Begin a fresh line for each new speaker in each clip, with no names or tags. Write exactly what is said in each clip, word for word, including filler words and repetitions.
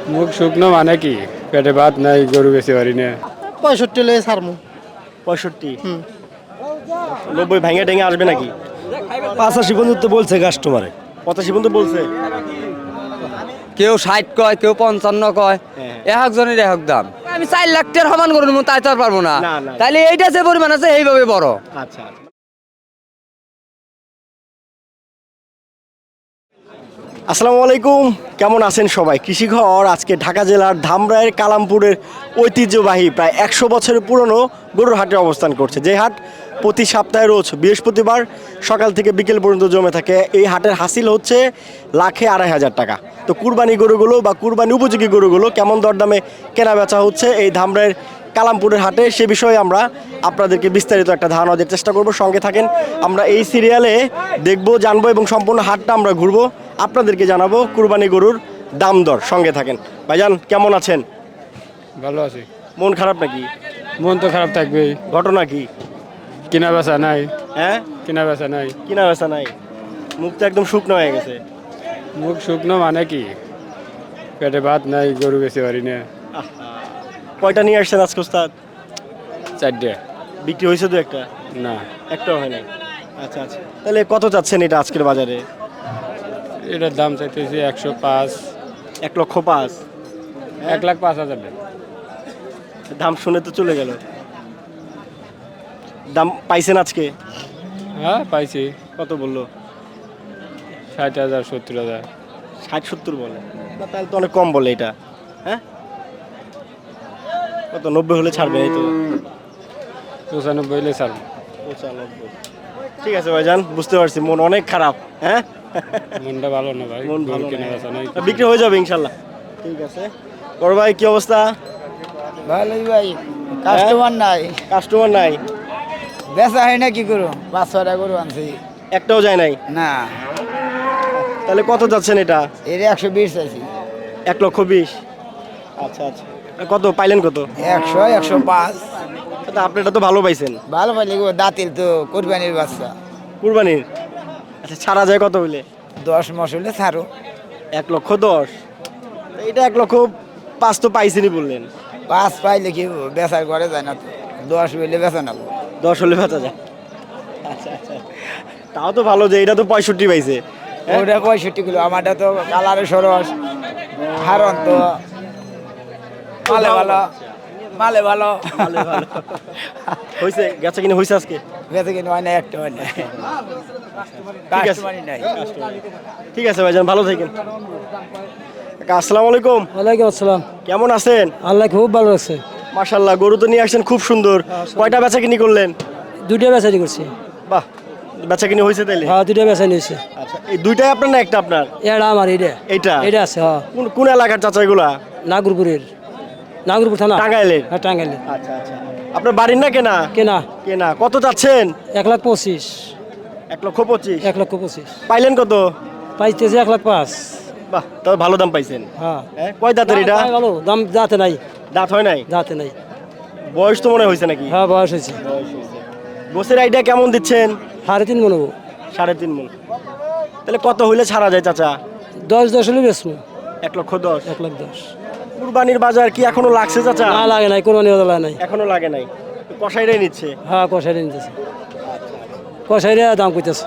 মুখ শুকনো মানে কি? পেটে ভাত নাই, গরু বেশি পারি না।
পঁয়ষট্টি লে ছাড়মু।
পঁয়ষট্টি নব্বই ভেঙে টেঙে আসবে নাকি?
পাঁচাশি পর্যন্ত বলছে কাস্টমারে।
পঁচাশি পর্যন্ত বলছে।
কেউ ষাট কয়, কেউ পঞ্চান্ন কয়,
হ্যাঁ।
এক একজনের এক এক দাম। আমি চার লাখ টাকার সমান করে নেবো, তাই তো আর পারবো না।
না, না।
তাহলে এইটা যে পরিমাণ আছে এইভাবে বড়।
আচ্ছা আচ্ছা। আসসালামু আলাইকুম, কেমন আছেন সবাই? কৃষিঘর আজকে ঢাকা জেলার ধামরাইয়ের কালামপুরের ঐতিহ্যবাহী প্রায় একশো বছরের পুরনো গরুর হাটে অবস্থান করছে। যে হাট প্রতি সপ্তাহে রোজ বৃহস্পতিবার সকাল থেকে বিকেল পর্যন্ত জমে থাকে। এই হাটের হাসিল হচ্ছে লাখে আড়াই হাজার টাকা। তো কুরবানি গরুগুলো বা কুরবানি উপযোগী গরুগুলো কেমন দরদামে কেনা বেচা হচ্ছে এই ধামরাইয়ের কালামপুরের হাটে, সে বিষয়ে আমরা আপনাদেরকে বিস্তারিত একটা ধারণা দেওয়ার চেষ্টা করব। সঙ্গে থাকেন, আমরা এই সিরিয়ালে দেখব, জানবো এবং সম্পূর্ণ হাটটা আমরা ঘুরবো, আপনাদেরকে জানাবো কুরবানি গরুর দাম দর। সঙ্গে থাকেন। ভাইজান কেমন আছেন?
ভালো আছি।
মন খারাপ নাকি?
মন তো খারাপ থাকবেই।
ঘটনা কি?
কিনা বেচা নাই।
হ্যাঁ,
কিনা বেচা নাই।
কিনা বেচা নাই, মুখটা একদম শুকনো হয়ে গেছে।
মুখ শুকনো মানে কি? পেটে ভাত নাই, গরু বেশি পারি না।
কয়টা নিয়ে আসছেন আজকে ওস্তাদ?
চারটে।
বিক্রি হয়েছে তো একটা?
না,
একটাও হয় নাই। আচ্ছা আচ্ছা, তাহলে কত চাচ্ছেন এটা আজকের বাজারে?
এটার দাম চাইতেছি একশো পাঁচ।
এক লক্ষ পাঁচ।
এক লাখ পাঁচ হাজার টাকা।
দাম শুনে তো চলে গেল। দাম পাইছেন আজকে?
হ্যাঁ পাইছি।
কত বললো?
ষাট হাজার, সত্তর হাজার।
ষাট সত্তর বলে না, তাহলে তো অনেক কম বলে এটা। হ্যাঁ, কত নব্বই হলে ছাড়বে? এই তো
পঁচানব্বই হলে ছাড়বো।
পঁচানব্বই। ঠিক আছে ভাইজান, বুঝতে পারছি মন অনেক খারাপ। হ্যাঁ,
মনটা ভালো না ভাই,
মন
গরু
ভালো
কেনা
না।
বেচা নাই।
বিক্রি হয়ে যাবে ইনশাল্লাহ। ঠিক আছে। বড় ভাই কি অবস্থা?
ভালোই ভাই, কাস্টমার নাই।
কাস্টমার নাই?
বেচা হয় না, কি করো? পাঁচ ছটা গরু আনছি।
একটাও যায় নাই?
না,
তাহলে কত যাচ্ছেন এটা?
এর একশো বিশ চাইছি।
এক লক্ষ বিশ। আচ্ছা আচ্ছা, কত পাইলেন কত?
একশো, একশো পাঁচ।
তা আপনি এটা তো ভালো পাইছেন।
ভালো পাইলে গো, দাঁতিল তো কোরবানির বাচ্চা।
কুরবানির? আচ্ছা, ছাড়া যায় কত হইলে?
দশ মাস হলে ছাড়ো।
এক লক্ষ দশ। তা এটা এক লক্ষ পাঁচ তো পাইছেনই বললেন।
পাঁচ পাইলে কি হবো? বেচার ঘরে যায় না তো। দশ হইলে বেচা না গো।
দশ হলে বেচা যায়। আচ্ছা আচ্ছা, তাও তো ভালো যে এটা তো পঁয়ষট্টি পাইছে। হ্যাঁ?
ওটা পঁয়ষট্টি কিলো, আমারটা তো কালারে সরস, হারন তো মালে ভালো, মালে ভালো।
ভালো ভালো হয়েছে, গেছে কিনা হয়েছে আজকে?
বেচে কিনে হয় না, একটা হয় না।
ঠিক আছে,
কাস্টমারই নাই।
ঠিক আছে ভাইজান, ভালো থাকেন। কাকা, আসসালামু আলাইকুম।
ওয়ালাইকুম আসসালাম।
কেমন আছেন?
আল্লাহ খুব ভালো আছে।
মাশাআল্লাহ, গরু তো নিয়ে আসছেন খুব সুন্দর। কয়টা বেচা কিনি করলেন?
দুইটা বেচারি করছি।
বাহ, বেচা কিনি হয়েছে তাইলে?
হ্যাঁ, দুইটা বেচা নিয়েছে।
আচ্ছা, এই দুইটাই আপনার না একটা আপনার?
এটা আমার, এইটা
এইটা?
এটা আছে। হ্যাঁ,
কোন কোন এলাকার চাচা এগুলা?
নাগরপুরের, নাগরপুর থানা,
টাঙ্গাইলের?
হ্যাঁ টাঙ্গাইলের।
আচ্ছা আচ্ছা, আপনার বাড়ির না কেনা?
কেনা।
কেনা। কত চাচ্ছেন?
এক লাখ পঁচিশ।
এক লক্ষ পঁচিশ।
এক লক্ষ পঁচিশ
পাইলেন কত?
পাইতেছে এক লাখ পাঁচ।
বাহ, তবে ভালো দাম পাইছেন।
হ্যাঁ,
হ্যাঁ, কয় দাঁতের এটা?
দাম ভালো, দাম যাতে নাই,
দাঁত হয় নাই?
যাতে নাই।
বয়স তো মনে হয়েছে নাকি?
হ্যাঁ, বয়স হয়েছে।
বয়স হয়েছে। গোসের আইডিয়া কেমন দিচ্ছেন?
সাড়ে তিন মনে হবো।
সাড়ে তিন মন। তাহলে কত হইলে ছাড়া যায় চাচা?
দশ দশ হলে বেচবো।
এক লক্ষ দশ।
এক লাখ দশ।
কুরবানির বাজার কি এখনো লাগছে চাচা?
না লাগে নাই, কোনো নিয়ে নাই।
এখনো লাগে নাই, কষাইরাই নিচ্ছে।
হ্যাঁ, কষাইরে নিতেছে, কষাইরে দাম কইতেছে।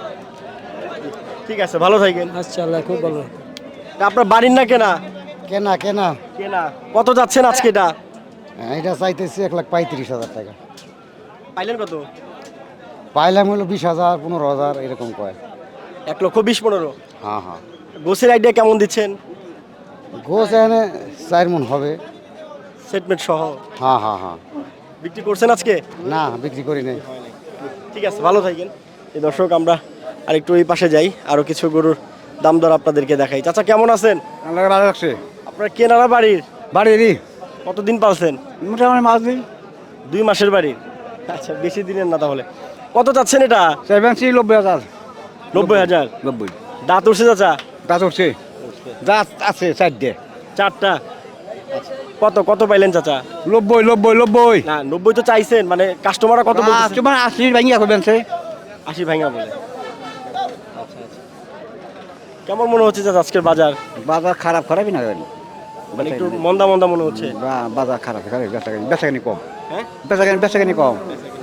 ঠিক আছে, ভালো থাকেন।
আচ্ছা, আল্লাহ খুব ভালো।
তা আপনার বাড়ির না কেনা?
কেনা কেনা।
কেনা। কত যাচ্ছেন আজকে এটা?
এটা চাইতেছি এক লাখ পঁয়ত্রিশ হাজার টাকা।
পাইলেন কত?
পাইলাম হলো বিশ হাজার, পনেরো হাজার এরকম কয়।
এক লক্ষ বিশ পনেরো।
হ্যাঁ হ্যাঁ।
গোসের আইডিয়া কেমন দিচ্ছেন?
গোছ এখানে চার মন হবে।
সেটমেন্ট সহ?
হ্যাঁ হ্যাঁ হ্যাঁ।
বিক্রি করছেন আজকে?
না, বিক্রি করি নাই।
ঠিক আছে, ভালো থাকেন। এই দর্শক, আমরা আরেকটু এই পাশে যাই, আরো কিছু গরুর দাম দর আপনাদেরকে দেখাই। চাচা কেমন আছেন?
আল্লাহ ভালো রাখছে।
আপনার কেনারা বাড়ির?
বাড়িরই
কতদিন পালছেন?
মোটামুটি মাছ দিই।
দুই মাসের বাড়ির? আচ্ছা, বেশি দিনের না তাহলে। কত চাচ্ছেন এটা?
সেভেন্সি নব্বই হাজার।
নব্বই হাজার?
নব্বই।
দাঁত উঠছে চাচা?
দাঁত উঠছে, দাঁত আছে চারটে।
চারটা? কত কত পাইলেন চাচা?
নব্বই নব্বই নব্বই।
না, নব্বই তো চাইছেন, মানে কাস্টমাররা কত বলছে?
তোমার আশি ভাঙিয়া করবেন সে।
আশি ভাঙা বলে। আচ্ছা আচ্ছা, কেমন মনে হচ্ছে চাচা আজকের বাজার?
বাজার খারাপ খারাপই না।
মানে একটু মন্দা মন্দা মনে হচ্ছে।
বাজার খারাপ খারাপ বেচাকানি কম
হ্যাঁ
বেচাকানি বেচাকানি কম।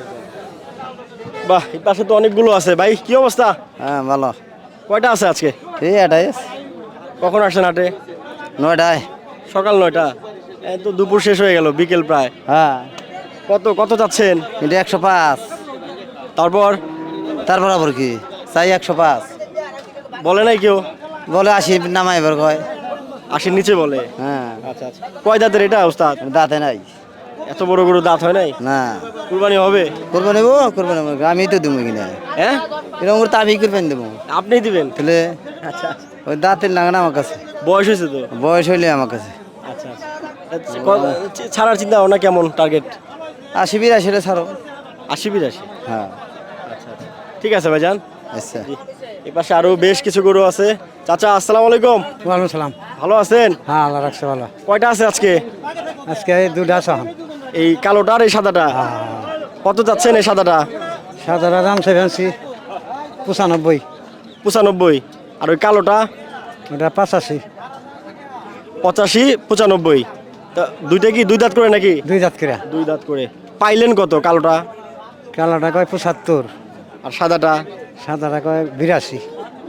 বাহ, এই পাশে তো অনেকগুলো আছে ভাই, কি অবস্থা?
হ্যাঁ ভালো।
কয়টা আছে আজকে?
এই এটাই
কখন আসছেন হাটে?
নয়টায়।
সকাল নয়টা, এই তো দুপুর শেষ হয়ে গেল, বিকেল প্রায়।
হ্যাঁ
কত কত চাচ্ছেন?
এটা একশো পাঁচ।
তারপর
তারপর আবার কি চাই একশো পাঁচ।
বলে নাই কেউ?
বলে আশি নামাই এবার কয়।
আশির নিচে বলে?
হ্যাঁ
আচ্ছা আচ্ছা। কয় দাঁতের এটা ওস্তাদ?
দাঁতে নাই।
এত বড় গরু দাঁত হয় নাই?
না
কুরবানি হবে?
করবো নেবো করবো নেবো আমি তো দেবো কিনা
হ্যাঁ
এরকম করে আমি করবেন দেবো
আপনিই দিবেন?
তাহলে
আচ্ছা।
ওই দাঁতের লাগে না আমার কাছে,
বয়স হয়েছে তো?
বয়স হইলে আমার কাছে।
আচ্ছা আচ্ছা। ক- ছাড়ার চিন্তা ভাবনা কেমন, টার্গেট?
আশি বিরাশি হলে ছাড়ো।
আশি বিরাশি?
হ্যাঁ
আচ্ছা আচ্ছা, ঠিক আছে ভাইজান।
আচ্ছা।
জি। এ পাশে আরো বেশ কিছু গরু আছে। চাচা আসসালামু আলাইকুম।
ওয়ালাইকুম সালাম।
ভালো আছেন?
হ্যাঁ আল্লাহ রাখছে ভালো।
কয়টা আছে আজকে?
আজকে এই দুটা সহন।
এই কালোটা আর এই সাদাটা? কত যাচ্ছেন এই সাদাটা?
সাদারা দাম সেভেন্সি পঁচানব্বই।
পঁচানব্বই। আর ওই কালোটা?
ওটা পঁচাশি।
পঁচাশি পঁচানব্বই। তা দুইটা কি দুই দাঁত করে নাকি?
দুই জাত করে।
দুই দাঁত করে। পাইলেন কত কালোটা?
কালাটা কয় পঁচাত্তর,
আর সাদাটা?
সাদাটা কয় বিরাশি।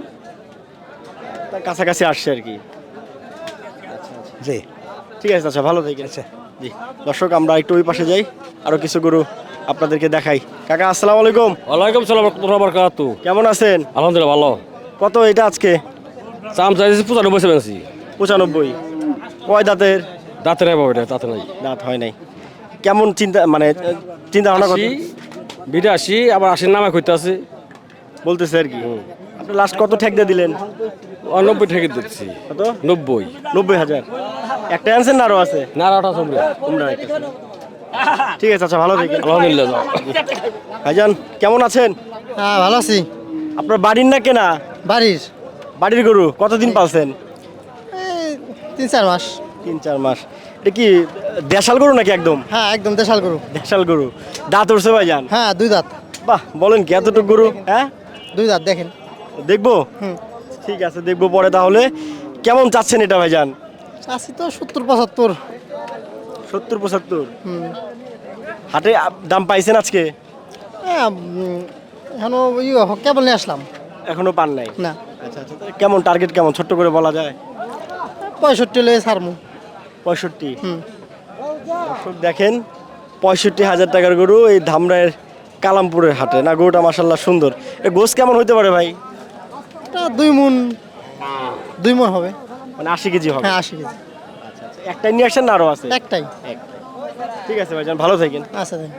তার কাছাকাছি আসছে আর কি।
জি
ঠিক আছে আচ্ছা, ভালো থেকে।
আচ্ছা।
জি দর্শক, আমরা একটু ওই পাশে যাই, আরো কিছু গরু আপনাদেরকে দেখাই। কাকা আসসালামু আলাইকুম।
ওয়ালাইকুম সালাম রহমতুল্লাহি ওয়া বারাকাতু।
কেমন আছেন?
আলহামদুলিল্লাহ ভালো।
কত এটা আজকে?
চাম চাইছি পঁচানব্বই সেভেন্সি।
পঁচানব্বই। কয় দাঁতের?
দাঁতে নাই বাবা, এটা দাঁতে নাই।
দাঁত হয় নাই। কেমন চিন্তা মানে চিন্তা ভাবনা
আশি বিরাশি, আবার আশির নামে করতে আছে।
বলতেছে আর কি। আপনি লাস্ট কত ঠেক দিয়ে দিলেন?
নব্বই ঠেকে দিচ্ছি।
কত?
নব্বই।
নব্বই হাজার। একটা আনছেন না আরো আছে?
না আটা চমড়া।
তোমরা একটা আছে। ঠিক আছে আচ্ছা, ভালো থাকেন।
আলহামদুলিল্লাহ যাও।
ভাইজান কেমন আছেন?
হ্যাঁ ভালো আছি।
আপনার বাড়ির না কেনা?
বাড়ির
বাড়ির গরু কতদিন পালছেন?
এই তিন চার মাস।
তিন চার মাস। এটা কি দেশাল গরু নাকি একদম?
হ্যাঁ একদম দেশাল গরু।
দেশাল গরু। দাঁত উঠছে ভাইজান?
হ্যাঁ দুই দাঁত।
বাহ, বলেন কি এতটুকু গরু? হ্যাঁ
দুই দাঁত দেখেন।
দেখবো?
হুম।
ঠিক আছে দেখবো পরে। তাহলে কেমন চাচ্ছেন এটা ভাইজান?
আছি তো সত্তর পঁচাত্তর।
সত্তর পঁচাত্তর?
হুম।
হাটে আপ- দাম পাইছেন আজকে?
হ্যাঁ উম, এখনো ইয়ে হ- কেবল নিয়ে আসলাম।
এখনো পান নাই?
না
আচ্ছা আচ্ছা, তাহলে কেমন টার্গেট, কেমন ছোট্ট করে বলা যায়?
পঁয়ষট্টি হলে ছাড়মু।
পঁয়ষট্টি।
হুম।
দর্শক দেখেন, পঁয়ষট্টি হাজার টাকার গরু এই ধামরায়ের কালামপুরের হাটে। না গরুটা মাসাল্লাহ সুন্দর। এ গোস কেমন হইতে পারে ভাই?
এটা দুই মন দুই মন হবে।
মানে আশি কেজি হবে?
হ্যাঁ আশি কেজি।
আচ্ছা আচ্ছা, একটাই নিয়ে আসছেন না আরো আছে?
একটাই।
একটাই। ঠিক আছে ভাইজান, ভালো থাকেন।
আচ্ছা দেন।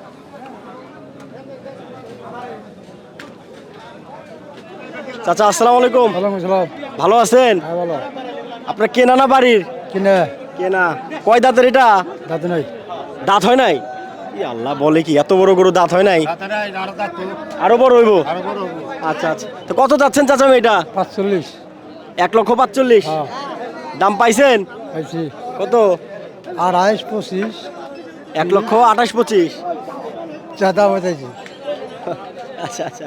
চাচা আসসালামু আলাইকুম।
ওয়ালাইকুম সালাম।
ভালো আছেন?
হ্যাঁ ভালো।
আপনার কেনা না বাড়ির?
কিনে
কেনা। কয় দাঁতের এটা?
দাঁত নাই।
দাঁত হয় নাই? ই আল্লাহ, বলে কি এত বড় গরু দাঁত হয় নাই? আরো বড় হইব? আচ্ছা আচ্ছা, তো কত যাচ্ছেন চাচা এটা?
পাঁচচল্লিশ।
এক লক্ষ পাঁচচল্লিশ?
হ্যাঁ
দাম পাইছেন
পাইছি।
কত?
আড়াইশ পঁচিশ।
এক লক্ষ আঠাশ পঁচিশ?
চাঁদা বাতাইছি।
আচ্ছা আচ্ছা।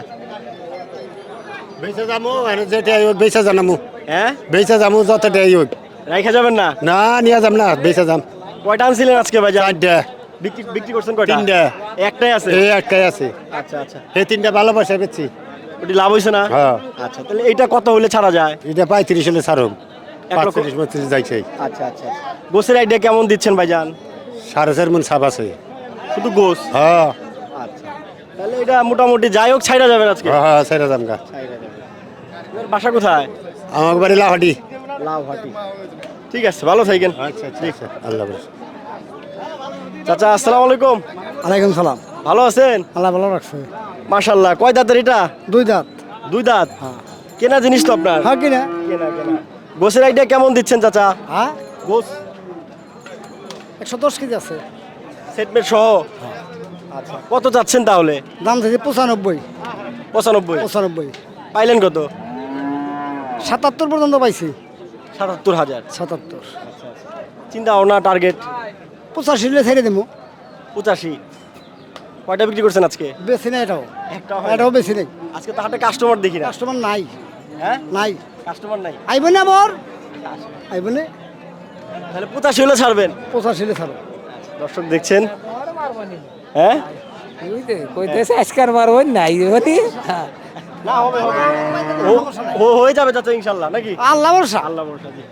বেচা যামু আর যেটা হোক বেচা জানামু।
হ্যাঁ
বেচা যামু যতটাই হোক।
রাইখা যাবেন না?
না নিয়ে যাম না, বেচা যাম।
কয়টা আনছিলেন আজকে ভাই?
চারটা
বিক্রি বিক্রি করছেন কয়টা?
তিনটা।
একটাই আছে?
এই একটাই আছে।
আচ্ছা আচ্ছা,
এই তিনটা ভালোবাসা বেচছি।
ওটি লাভ হয়েছে না?
হ্যাঁ।
আচ্ছা, তাহলে এইটা কত হলে ছাড়া যায়?
এটা পঁয়ত্রিশ হলে ছাড়ুম।
এক লক্ষ-
পাঁচত্রিশ বত্রিশ যাইছে।
আচ্ছা আচ্ছা। গোসের আইডিয়া কেমন দিচ্ছেন ভাইজান?
সাড়ে চার মন সাপ আছে।
শুধু গোস?
হ্যাঁ
আচ্ছা, তাহলে এটা মোটামুটি যাই হোক ছাইরা যাবেন আজকে?
হ্যাঁ হ্যাঁ ছাইরা যাম গা।
ছাইরা যাবেন। আপনার বাসা কোথায়?
আমার বাড়ি লাহাটি।
লাউহাটি। ঠিক আছে, ভালো থাকেন।
আচ্ছা আচ্ছা আচ্ছা, আল্লাহ হাফেজ।
চাচা আসসালামু আলাইকুম।
ওয়ালাইকুম সালাম।
ভালো আছেন?
আল্লাহ ভালো রাখছে।
মাশাআল্লাহ। কয় দাঁতের এটা?
দুই দাঁত।
দুই দাঁত? কেনা জিনিস তো আপনার?
হ্যাঁ কিনা।
কেনা কেনা। গোসের আইডিয়া কেমন দিচ্ছেন চাচা?
হ্যাঁ
গোস
একশো দশ কেজি আছে।
সেটমেট সহ? আচ্ছা, কত চাচ্ছেন তাহলে?
দাম থেকে পঁচানব্বই।
পঁচানব্বই?
পঁচানব্বই।
পাইলেন কত?
সাতাত্তর পর্যন্ত পাইছি।
সাতাত্তর হাজার?
সাতাত্তর।
চিন্তা ভাবনা টার্গেট?
পঁচাশি হলে ছেড়ে দেবো।
পঁচাশি? কয়টা বিক্রি করছেন আজকে?
বেশি না এটাও।
একটাও হয়
এটাও
না?
বেশি নেই।
আজকে তো হাটে কাস্টমার দেখি না।
কাস্টমার নাই।
হ্যাঁ,
নাই।
কাস্টমার নাই।
আইব না বর আইব না।
তাহলে পঁচাশি হলে ছাড়বেন।
পঁচাশি ছাড়ো।
দর্শক দেখছেন, হ্যাঁ
কইতেছে আজকার মারবেন নাই হতি
না হবে হবে ও- ও হয়ে যাবে চাচা ইনশাল্লাহ নাকি?
আল্লাহ ভরসা।
আল্লাহ ভরসা জি।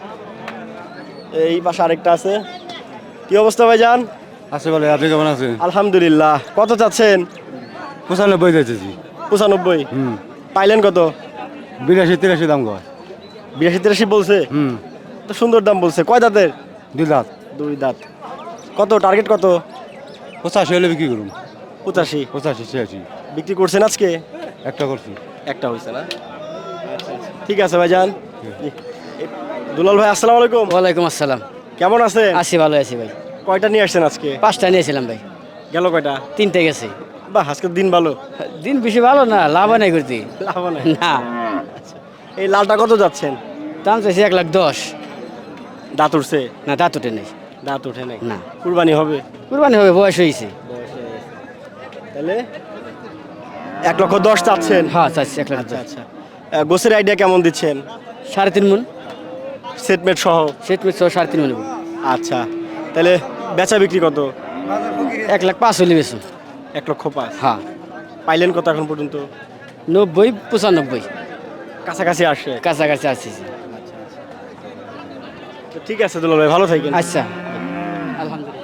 এই পাশে আরেকটা আছে। কি অবস্থা ভাইজান?
আছে বলে, আপনি কেমন আছেন?
আলহামদুলিল্লাহ। কত চাচ্ছেন?
পঁচানব্বই যাইতেছি।
পঁচানব্বই।
হুম,
পাইলেন কত?
বিরাশি তিরাশি দাম কয়।
বিরাশি তিরাশি বলছে,
হুম,
তো সুন্দর দাম বলছে। কয় দাঁতের?
দুই লাখ।
দুই দাঁত। কত টার্গেট কত?
পঁচাশি হলে বিক্রি করুন।
পঁচাশি।
পঁচাশি ছিয়াশি
বিক্রি করছেন আজকে?
একটা করছি।
একটা হয়েছে না? ঠিক আছে ভাইজান। জি। এ- দুলাল ভাই আসসালামু আলাইকুম।
ওয়ালাইকুম আসসালাম।
কেমন আছেন?
আছি ভালো আছি ভাই।
কয়টা নিয়ে আসছেন আজকে?
পাঁচটা নিয়েছিলাম ভাই,
গেল কয়টা?
তিনটে গেছে।
বাহ, আজকের দিন ভালো।
দিন বেশি ভালো না, লাভ নাই করতে
লাভ নাই।
না।
এই লালটা কত যাচ্ছেন?
দাম চাইছি এক লাখ দশ।
দাঁত উঠছে?
না দাঁত উঠে নেই।
দাঁত উঠে নাই?
না।
কুরবানি হবে?
কুরবানি হবে, বয়স হয়েছে।
তাহলে এক লক্ষ দশ চাচ্ছেন?
হ্যাঁ চাইছি এক লাখ
আচ্ছা
দশ।
আচ্ছা। আহ, গোছের আইডিয়া কেমন দিচ্ছেন?
সাড়ে তিন মন
সেটমেট সহ?
সেট মিট সহ সাড়ে তিন মন।
আচ্ছা, তাহলে বেচা বিক্রি কত?
এক লাখ পাঁচ হলে বেশি।
এক লক্ষ পাঁচ।
হ্যাঁ,
পাইলেন কত এখন পর্যন্ত?
নব্বই পঁচানব্বই
কাছাকাছি আসে?
কাছাকাছি আসছি।
তো ঠিক আছে দুলাল ভাই, ভালো থাকেন।
আচ্ছা, আলহামদুলিল্লাহ।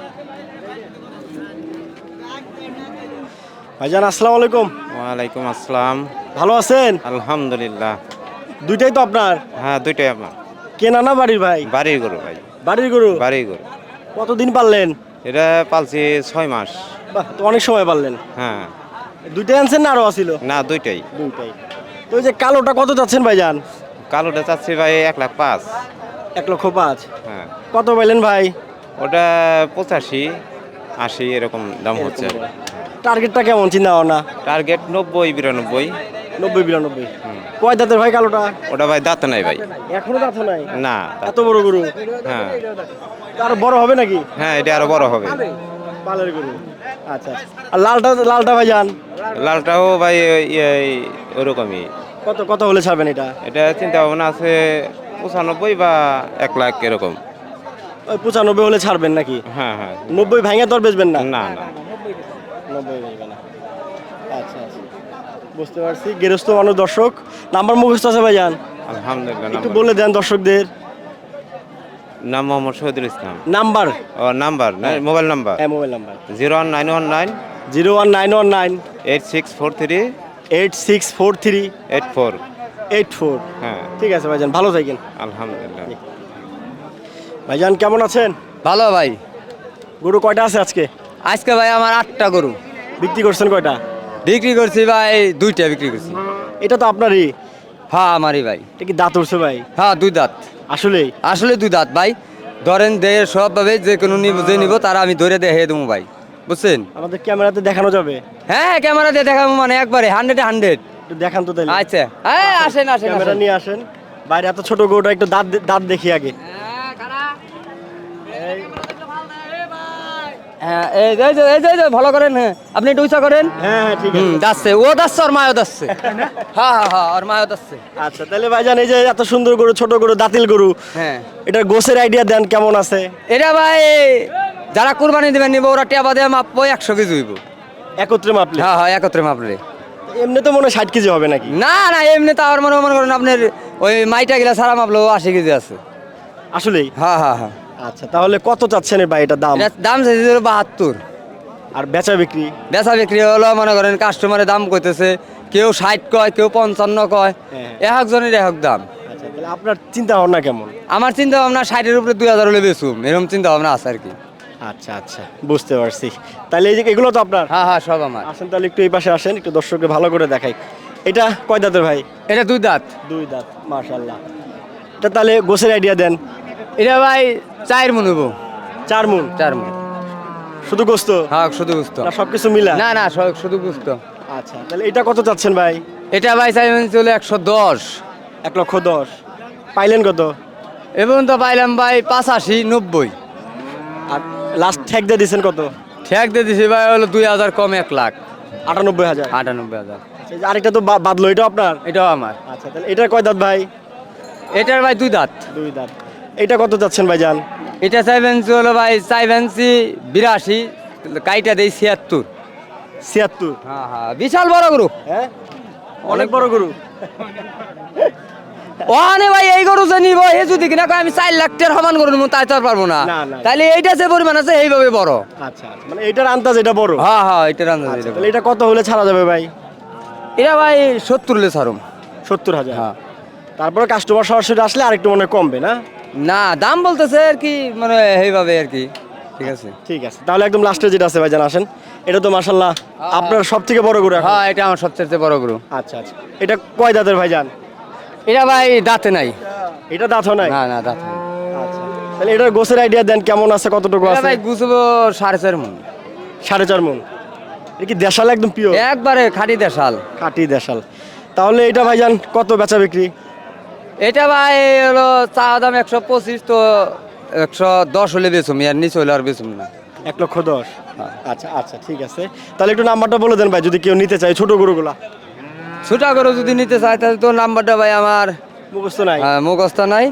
ভাইজান আসসালামু আলাইকুম।
ওয়ালাইকুম আসসালাম।
ভালো আছেন?
আলহামদুলিল্লাহ।
দুইটাই তো আপনার?
হ্যাঁ, দুইটাই আমার।
কেনা না বাড়ির ভাই?
বাড়ির গরু ভাই,
বাড়ির গরু?
বাড়ির গরু।
কতদিন পারলেন?
এটা পালছি ছয় মাস।
বাহ, তো অনেক সময় পারলেন।
হ্যাঁ,
দুইটাই আনছেন না আরো আছিল?
না দুইটাই।
দুইটাই। তো ওই যে কালোটা কত যাচ্ছেন ভাইজান?
কালোটা চাচ্ছি ভাই এক লাখ পাঁচ।
এক লক্ষ পাঁচ।
হ্যাঁ,
কত পাইলেন ভাই?
ওটা পঁচাশি আশি এরকম দাম হচ্ছে।
টার্গেটটা কেমন চিন্তা ভাবনা?
টার্গেট নব্বই বিরানব্বই।
নব্বই বিরানব্বই। কয় দাঁতের ভাই কালোটা?
ওটা ভাই দাঁত নাই ভাই।
এখনো দাঁত নাই?
না।
এত বড় গরু?
হ্যাঁ
আরো বড় হবে নাকি?
হ্যাঁ, এটা আরো বড় হবে।
পালের গরু। আচ্ছা আচ্ছা। আর লালটা লালটা ভাইজান?
লালটাও ভাই ওই- এই ওরকমই।
কত কত হলে ছাড়বেন এটা?
এটা চিন্তা ভাবনা আছে পঁচানব্বই বা এক লাখ এরকম।
ওই পঁচানব্বই হলে ছাড়বেন নাকি?
হ্যাঁ হ্যাঁ।
নব্বই ভাঙে তো আর বেচবেন না?
না না।
নব্বই বেচবেন না। আচ্ছা আচ্ছা, বুঝতে পারছি। গেরস্ত মানুষ। দর্শক নাম্বার মুখস্থ আছে ভাইজান?
আলহামদুলিল্লাহ।
একটু
নাম্বার-
বলে দেন দর্শকদের।
নাম মোহাম্মদ শহীদুল ইসলাম।
নাম্বার?
ও নাম্বার না, মোবাইল নাম্বার
হ্যাঁ, mobile number.
Zero one nine one nine
zero one nine one nine
eight six four three
eight six four three
eight four.
Eight four.
হ্যাঁ,
ঠিক আছে ভাইজান, ভালো থাকেন।
আলহামদুলিল্লাহ।
ভাইজান কেমন আছেন?
ভালো ভাই।
গরু কয়টা আছে আজকে?
আজকে ভাই আমার আটটা গরু
বিক্রি করছেন কয়টা?
বিক্রি করছি ভাই, দুইটা বিক্রি করছি।
এটা তো আপনারই?
হ্যাঁ আমারই ভাই।
এটা কি দাঁত উঠছে ভাই?
হ্যাঁ দুই দাঁত।
আসলেই?
আসলে দুই দাঁত ভাই। ধরেন দেহে সবভাবে যে কোনো নিব যে নিব তারা আমি ধরে দেখে দেবো ভাই, বুঝছেন?
আমাদের ক্যামেরাতে দেখানো যাবে?
হ্যাঁ ক্যামেরা দিয়ে দেখাবো, মানে একবারে হান্ড্রেড হান্ড্রেড।
একটু দেখান তো তাহলে।
আচ্ছা হ্যাঁ, আসেন আসেন
ক্যামেরা
আসেন।
নিয়ে আসেন। বাইরে এত ছোট গরুটা, একটু দাঁত দে- দাঁত দেখি আগে।
হ্যাঁ এই যে এই যে এই যে এই যে ভালো করেন। হ্যাঁ আপনি একটু উঁচা করেন।
হ্যাঁ হ্যাঁ, ঠিক
হুম
আছে।
দাচ্ছে, ও দাচ্ছে আর মায়ও দাচ্ছে। হ্যাঁ হ্যাঁ হ্যাঁ, আর মায়ও দাচ্ছে।
আচ্ছা, তাহলে ভাইজান এই যে এত সুন্দর গরু, ছোট গরু, দাঁতিল গরু,
হ্যাঁ
এটার গোছের আইডিয়া দেন কেমন আছে?
এটা ভাই যারা কুরবানি দেবেন নিব, ওরা টেবা দিয়ে মাপবো, একশো কেজি হইব।
একত্রে মাপলে?
হ্যাঁ হ্যাঁ একত্রে মাপলে।
এমনি তো মনে হয় ষাট কেজি হবে নাকি?
না না, এমনি তো আমার মনে মনে করেন আপনার ওই মাইটা গিলা সারা মাপলো আশি কেজি আছে।
আসলেই?
হ্যাঁ হ্যাঁ হ্যাঁ।
আচ্ছা, তাহলে কত চাচ্ছেন ভাই এটা দাম?
এটার দাম চাইছে হলো বাহাত্তর।
আর বেচা বিক্রি?
বেচা বিক্রি হলো মনে করেন কাস্টমারের দাম কইতেছে, কেউ ষাট কয়, কেউ পঞ্চান্ন কয়,
হ্যাঁ।
এক একজনের এক এক দাম।
আচ্ছা, তাহলে আপনার চিন্তা ভাবনা কেমন?
আমার চিন্তা ভাবনা ষাটের উপরে দুই হাজার হলে বেচুম, এরকম চিন্তা ভাবনা আছে আর কি।
আচ্ছা আচ্ছা, বুঝতে পারছি। তাহলে এই যে এগুলো তো আপনার?
হ্যাঁ হ্যাঁ সব আমার।
আসেন তাহলে একটু এই পাশে আসেন, একটু দর্শককে ভালো করে দেখাই। এটা কয় দাঁতের ভাই?
এটা দুই দাঁত।
দুই দাঁত, মাশাআল্লাহ। এটা তাহলে গোছের আইডিয়া দেন।
এটা ভাই চার মন হইব।
চার মন?
চার মন
শুধু গোস্ত
হ্যাঁ, শুধু বুঝতো
না সবকিছু মিলা?
না না, সব শুধু বুঝতো।
আচ্ছা, তাহলে এটা কত চাচ্ছেন ভাই?
এটা ভাই চাইবেন চলে একশো দশ।
এক লক্ষ দশ। পাইলেন কত?
এবং তো পাইলাম ভাই পাঁচাশি নব্বই।
আর লাস্ট ঠেক দিয়ে দিচ্ছেন কত?
ঠেক দিয়ে দিছি ভাই হলো দুই হাজার কম এক লাখ
আটানব্বই হাজার।
আটানব্বই হাজার।
আচ্ছা, এই যে আরেকটা তো বা- বাদলো, এটা আপনার?
এটাও আমার।
আচ্ছা, তাহলে এটার কয় দাঁত ভাই?
এটার ভাই দুই দাঁত।
দুই দাঁত। এটা কত চাচ্ছেন ভাইজান?
এটা চাইবেন হলো ভাই চাইবেন বিরাশি, কাইটা দেই ছিয়াত্তর।
ছিয়াত্তর?
হ্যাঁ হ্যাঁ, বিশাল বড় গরু।
হ্যাঁ, অনেক বড় গরু।
ওখানে ভাই এই গরু যে নিব এ যদি কিনা কয় আমি চার লাখ টাকার সমান গরু নিব, তাই তো আর পারবো না।
না, না।
তাহলে এইটা যে পরিমাণ আছে এইভাবে বড়।
আচ্ছা আচ্ছা, মানে এটার আন্দাজ এটা বড়।
হ্যাঁ হ্যাঁ, এটা রান্না
আচ্ছা, তাহলে এটা কত হলে ছাড়া যাবে ভাই?
এটা ভাই সত্তর লে ছাড়ুম।
সত্তর হাজার?
হ্যাঁ।
তারপরে কাস্টমার সরাসরি আসলে আরেকটু মনে হয় কমবে না?
না, দাম বলতেছে আর কি, মানে এইভাবে আর কি। ঠিক আছে,
ঠিক আছে, তাহলে একদম লাস্টে যেটা আছে ভাইজান আসেন। এটা তো মাশাআল্লাহ আপনার সব থেকে বড় গরু এখন।
হ্যাঁ এটা আমার সবচেয়ে বড় গরু।
আচ্ছা আচ্ছা, এটা কয় দাঁতের ভাইজান?
এটা ভাই দাঁতে নাই।
এটা দাঁতও নাই?
না না, দাঁত নাই।
আচ্ছা, তাহলে এটার গোছের আইডিয়া দেন, কেমন আছে, কতটুকু
এটা
আছে?
ভাই গুছবো সাড়ে চার মন।
সাড়ে চার মন? এটা কি দেশাল একদম পিওর?
একবারে খাঁটি দেশাল।
খাঁটি দেশাল। তাহলে এটা ভাইজান কত বেচা বিক্রি?
এটা ভাই হলো চা দাম একশো পঁচিশ, তো একশো দশ হলে বেচুম, আর নিচে হলে আর বেচুম না।
এক লক্ষ দশ? আচ্ছা আচ্ছা, ঠিক আছে, তাহলে একটু নাম্বারটা বলে দেন ভাই, যদি কেউ নিতে চায় ছোট গরুগুলা।
ছোটা গরু যদি নিতে চায় তাহলে তো নাম্বারটা ভাই আমার
মুখস্থ নাই?
আহ, মুখস্থ নাই।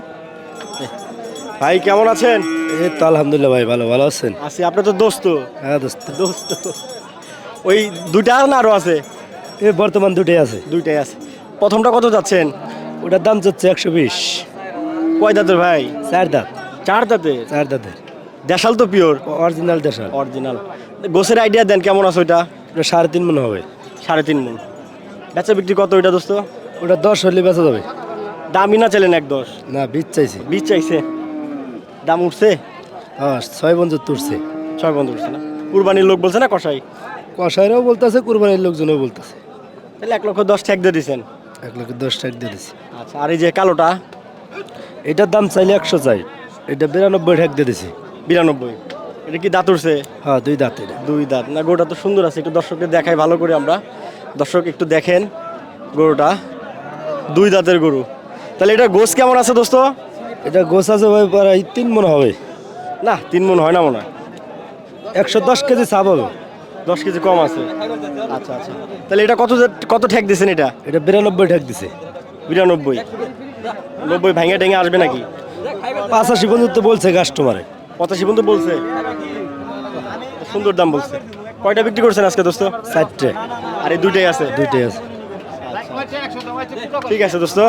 ভাই কেমন আছেন?
এই তো আলহামদুলিল্লাহ ভাই, ভালো ভালো আছেন?
আছি, আপনি তো দোস্ত।
হ্যাঁ দোস্ত।
দোস্ত ওই দুইটা না আরো আছে?
এই বর্তমান দুটোই আছে।
দুইটাই আছে। প্রথমটা কত যাচ্ছেন?
ওটার দাম যাচ্ছে একশো বিশ।
কয় দাঁতের ভাই?
চার দাঁত।
চার দাঁতের?
চার দাঁতের
দেশাল তো পিওর?
অরিজিনাল দেশাল।
অরিজিনাল। গোছের আইডিয়া দেন, কেমন আছে ওইটা?
ওটা সাড়ে তিন মন হবে।
সাড়ে তিন মন। বেচা বিক্রি কত ওইটা দোস্ত?
ওটা দশ হলে বেচা যাবে।
দামই না চাইলেন এক দশ?
না, বীজ চাইছি।
বীজ চাইছে? দাম উঠছে?
হ্যাঁ, ছয় বন্ধু তুলছে।
ছয় বন্ধ উঠছে না? কুরবানির লোক বলছে না কষাই?
কষাইরাও বলতেছে, কুরবানির লোকজনও বলতেছে।
তাহলে এক লক্ষ দশ ঠেক দিয়ে দিচ্ছেন?
এক লক্ষ দশ টাকা দিয়ে দিছি।
আচ্ছা, আর এই যে কালোটা?
এটার দাম চাইলে একশো চাই, এটা বিরানব্বই ঠেক দিয়ে দিছি।
বিরানব্বই? এটা কি দাঁত উঠছে?
হ্যাঁ, দুই দাঁত। এটা
দুই দাঁত না? গরুটা তো সুন্দর আছে, একটু দর্শককে দেখাই ভালো করে আমরা। দর্শক একটু দেখেন গরুটা, দুই দাঁতের গরু। তাহলে এটা গোছ কেমন আছে দোস্ত?
এটা গোছ আছে ভাই প্রায় তিন মন হবে।
না, তিন মন হয় না মনে হয়।
একশো দশ কেজি চাপ হবে।
দশ কেজি কম আছে? আচ্ছা আচ্ছা, তাহলে এটা কত কত ঠেক দিয়েছেন এটা?
এটা বিরানব্বই ঠেক দিছে।
বিরানব্বই? নব্বই ভেঙে টেঙে আসবে নাকি?
পাঁচাশি পর্যন্ত বলছে কাস্টমারে।
পঁচাশি পর্যন্ত বলছে? সুন্দর দাম বলছে। কয়টা বিক্রি করছেন আজকে দোস্ত?
চারটে।
আর এই দুইটাই আছে?
দুইটাই আছে।
ঠিক আছে দোস্ত।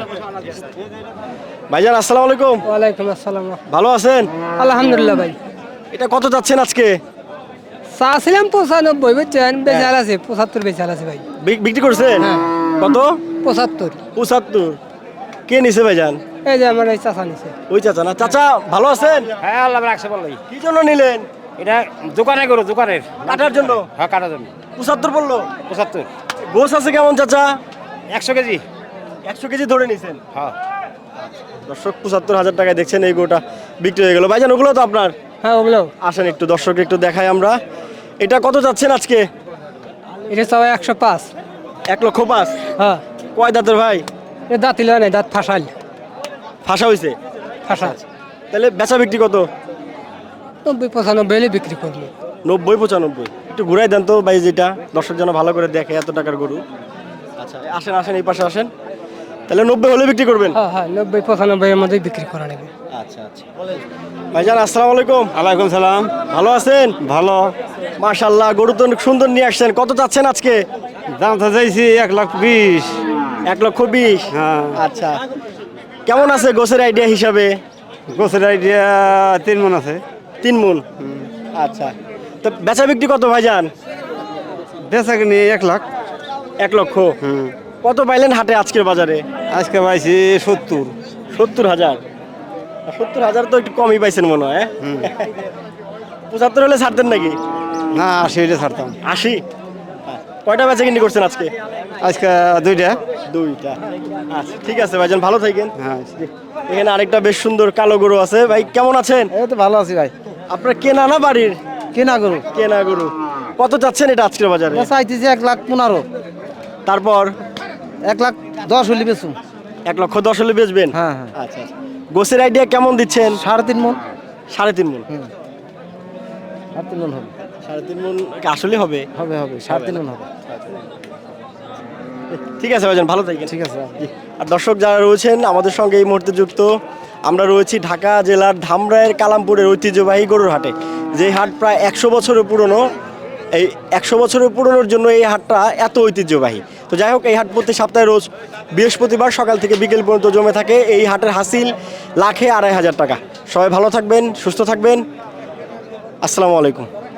ভাইজান আসসালামু আলাইকুম।
ওয়ালাইকুম আসসালাম।
ভালো আছেন?
আলহামদুলিল্লাহ ভাই।
এটা কত যাচ্ছেন আজকে?
চাচ্ছিলাম পঁচানব্বই, বুঝছেন? বেচাল আছে পঁচাত্তর, বেচাল আছে ভাই।
বি- বিক্রি করছেন?
হ্যাঁ।
কত?
পঁচাত্তর।
পঁচাত্তর? কে নিছে ভাইজান?
এই যে আমার এই চাচা নিছে।
ওই চাচা না? চাচা ভালো আছেন?
হ্যাঁ আল্লাহ রাখছে বললাই।
কি জন্য নিলেন?
এটা দোকানে গরু, দোকানের
কাটার জন্য?
হ্যাঁ কাটার জন্য।
পঁচাত্তর বললো?
পঁচাত্তর।
গোছ আছে কেমন চাচা?
একশো কেজি।
একশো কেজি ধরে নিছেন?
হ্যাঁ।
দর্শক পঁচাত্তর হাজার টাকায় দেখছেন এই গোটা বিক্রি হয়ে গেল। ভাইজান ওগুলো তো আপনার?
হ্যাঁ ওগুলো।
আসেন একটু দর্শক একটু দেখাই আমরা। এটা কত যাচ্ছেন আজকে?
এটা সবাই একশো পাঁচ।
এক লক্ষ পাঁচ?
হ্যাঁ।
কয় দাঁতের ভাই?
এটা দাঁতিল নাই, দাঁত ফাঁসাল।
ফাঁসা হয়েছে?
ফাঁসা।
তাহলে বেচা বিক্রি কত?
নব্বই পঁচানব্বই হলে বিক্রি করবো।
নব্বই পঁচানব্বই? একটু ঘুরাই দেন তো ভাই, যেটা দর্শক যেন ভালো করে দেখে এত টাকার গরু। আচ্ছা আসেন আসেন এই পাশে আসেন। তাহলে নব্বই হলে বিক্রি করবেন?
হ্যাঁ হ্যাঁ, নব্বই পঁচানব্বই এর মধ্যেই বিক্রি করা নেবে।
আচ্ছা আচ্ছা। ভাইজান আসসালামু আলাইকুম।
আলাইকুম সালাম।
ভালো আছেন?
ভালো।
মাশাআল্লাহ, গরু তো অনেক সুন্দর নিয়ে আসছেন। কত চাচ্ছেন আজকে?
দাম তো চাইছি এক লাখ বিশ।
এক লক্ষ বিশ?
হ্যাঁ।
আচ্ছা, কেমন আছে গোছের আইডিয়া হিসাবে?
গোছের আইডিয়া তিন মন আছে।
তিন মন? আচ্ছা, তো বেচা বিক্রি কত ভাইজান?
বেচা কিনি এক লাখ।
এক লক্ষ?
হুম।
কত পাইলেন হাটে আজকের বাজারে?
আজকে পাইছি সত্তর।
সত্তর হাজার? সত্তর হাজার তো একটু কমই পাইছেন মনে হয়। পঁচাত্তর হলে ছাড়তেন নাকি?
না, আশি হইলে ছাড়তাম।
আশি? কয়টা বেচা কিনি করছেন আজকে?
আজকে দুইটা।
দুইটা? আচ্ছা ঠিক আছে ভাইজান, ভালো থাকেন।
হ্যাঁ।
এখানে আরেকটা বেশ সুন্দর কালো গরু আছে। ভাই কেমন আছেন?
এই তো ভালো আছি ভাই।
আপনার কেনা না বাড়ির?
কেনা গরু।
কেনা গরু। কত চাচ্ছেন এটা আজকের বাজারে?
চাইতেছি এক লাখ পনেরো।
তারপর?
এক লাখ দশ হলে বেচুন।
এক লক্ষ দশ হলে বেচবেন?
হ্যাঁ হ্যাঁ।
আচ্ছা আচ্ছা। গোছের আইডিয়া কেমন দিচ্ছেন?
সাড়ে তিন মন।
সাড়ে তিন মন?
সাড়ে তিন মন হবে।
সাড়ে তিন মন আসলে হবে?
হবে হবে, সাড়ে তিন মন হবে।
ঠিক আছে ভাইজান, ভালো থাকেন।
ঠিক আছে।
আর দর্শক যারা রয়েছেন আমাদের সঙ্গে এই মুহূর্তে যুক্ত, আমরা রয়েছি ঢাকা জেলার ধামরাইয়ের কালামপুরের ঐতিহ্যবাহী গরুর হাটে, যে হাট প্রায় একশো বছরের পুরনো। এই একশো বছরের পুরনোর জন্য এই হাটটা এত ঐতিহ্যবাহী। তো যাই হোক, এই হাট প্রতি সপ্তাহে রোজ বৃহস্পতিবার সকাল থেকে বিকেল পর্যন্ত জমে থাকে। এই হাটের হাসিল লাখে আড়াই হাজার টাকা। সবাই ভালো থাকবেন, সুস্থ থাকবেন। আসসালামু আলাইকুম।